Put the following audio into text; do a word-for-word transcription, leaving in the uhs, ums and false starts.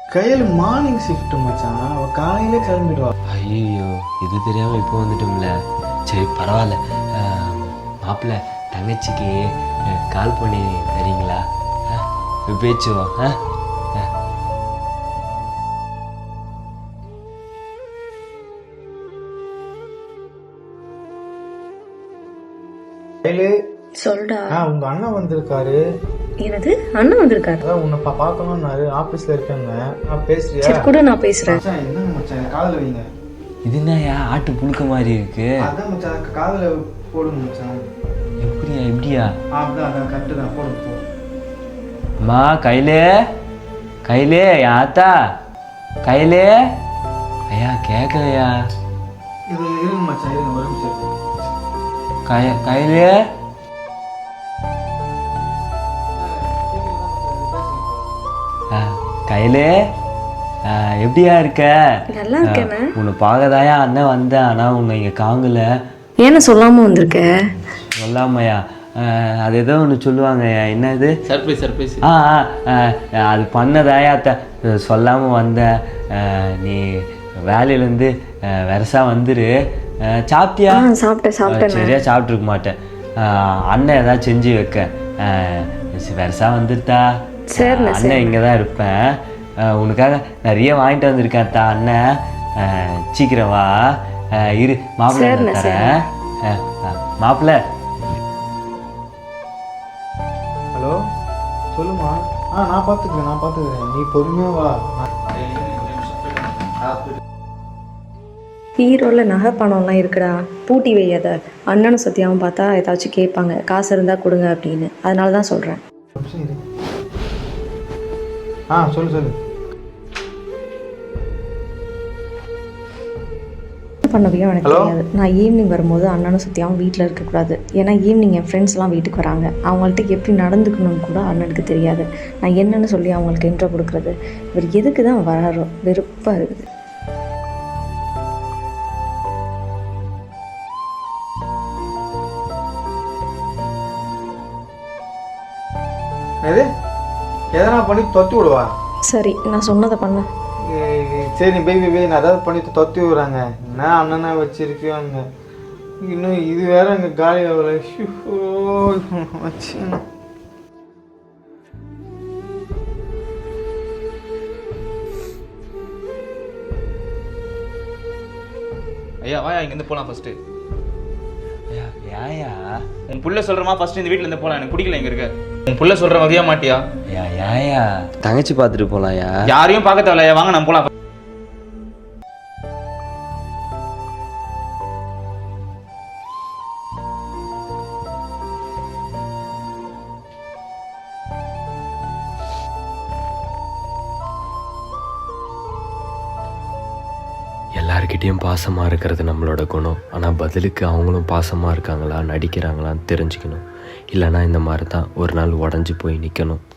கையில் morning shift மச்சான், அவள் காலையிலே கிளம்பிடுவா. ஐயோ இது தெரியாமல் இப்போ வந்துட்டோம்ல. சரி பரவாயில்ல. மாப்பிள்ள தங்கச்சிக்கு கால் பண்ணி தரீங்களா? பேச்சுவா? ஆ சொல்டா. உங்க அண்ணன் வந்திருக்காரு. என்னது அண்ணன் வந்திருக்காரு? அதான் உன்னை பா பார்க்கணும்னாரு, ஆபீஸ்ல இருக்காங்க. நான் பேசுறியா? சரி கூட நான் பேசுறேன். மச்சான் என்னங்க மச்சான் காதுல வைங்க. இது என்னயா ஆட்டு புழுக்க மாதிரி இருக்கு? அதான் மச்சான் காதுல போடுங்க மச்சான். எப்படியா எப்படியா? அதான் அதான் கரெக்டு தான், போடுங்க போ. அம்மா கையிலே கையிலே ஆத்தா கையிலே. ஐயா கேட்கலையா? இது இருங்க மச்சான், இருங்க ஒரு நிமிஷம். கை கையிலே கையிலே எப்படியா இருக்க? நல்லா இருக்கேண்ணே. உன்னை பார்க்கதாயா அண்ணன் வந்தேன், ஆனால் உன்னை இங்கே காங்கல. ஏன்னு சொல்லாம வந்திருக்க? சொல்லாமையா? அது ஏதோ ஒன்று சொல்லுவாங்க, என்னது சர்ப்ரைஸ் சர்ப்ரைஸ். ஆ ஆ அது பண்ணதாயா அத்தை, சொல்லாமல் வந்தேன். நீ வேலையிலேருந்து வெரசா வந்துரு. சாப்பிட்டியா? சாப்பிட்டேன் சாப்பிட்டேன். சரியா சாப்பிட்ருக்க மாட்டேன். அண்ணன் ஏதாவது செஞ்சு வைக்க. வெரசா வந்துருத்தா. அண்ணன் இங்கே தான் இருப்பேன். உனக்காக நிறைய வாங்கிட்டு வந்திருக்கேன் தா அண்ணன். சீக்கிரம் வா. இரு மாப்பிள்ளை தரேன். மாப்பிள்ளை ஹலோ சொல்லுமா. ஆ நான் பார்த்துக்கிறேன் நான் பார்த்துக்கிறேன், நீ பொறுமையாக வா. ஹீரோவில் நகை பணம்லாம் இருக்குடா, பூட்டி வையாத. அண்ணனும் சத்தியாவும் பார்த்தா ஏதாச்சும் கேட்பாங்க, காசு இருந்தால் கொடுங்க அப்படின்னு. அதனால தான் சொல்கிறேன். ஆ சொல்லு சொல்லு. பண்ணவையும் எனக்கு தெரியாது. நான் ஈவினிங் வரும்போது அண்ணனும் சத்தியாவும் வீட்டில் இருக்கக்கூடாது. ஏன்னா ஈவினிங் என் ஃப்ரெண்ட்ஸ்லாம் வீட்டுக்கு வராங்க. அவங்கள்ட்ட எப்படி நடந்துக்கணும்னு கூட அண்ணனுக்கு தெரியாது. நான் என்னன்னு சொல்லி அவங்களுக்கு இன்ட்ரோ கொடுக்குறது? இவர் எதுக்கு தான் வராரோ, வெறுப்பாக இருக்குது. எது எதனா பண்ணி தொத்தி விடுவா? சரி நான் சொன்னதை பண்ண. சரி நீ பேபி பே நான் ஏதாவது பண்ணி தொத்தி விடுறாங்க. என்ன அண்ணனை வச்சிருக்காங்க. இன்னும் இது வேற அங்கே காலி ஆகலை வச்சு. ஐயா வாயா இங்கேருந்து போகலாம் ஃபர்ஸ்ட்டு. ஏயா உன் புள்ள சொல்கிறமா ஃபர்ஸ்ட் இந்த வீட்டில் இருந்து போகலாம், எனக்கு பிடிக்கல இங்கே இருக்க. உன் புள்ள சொல்கிற மதியா மாட்டியா? ஏயா தங்கச்சி பார்த்துட்டு போகலாம்யா. யாரையும் பார்க்க தேவையில்லையா, வாங்க நான் போகலாம். எல்லார்கிட்டேயும் பாசமாக இருக்கிறது நம்மளோட குணம். ஆனால் பதிலுக்கு அவங்களும் பாசமாக இருக்காங்களா நடிக்கிறாங்களான்னு தெரிஞ்சுக்கணும். இல்லைனா இந்த மாதிரி தான் ஒரு நாள் உடஞ்சி போய் நிற்கணும்.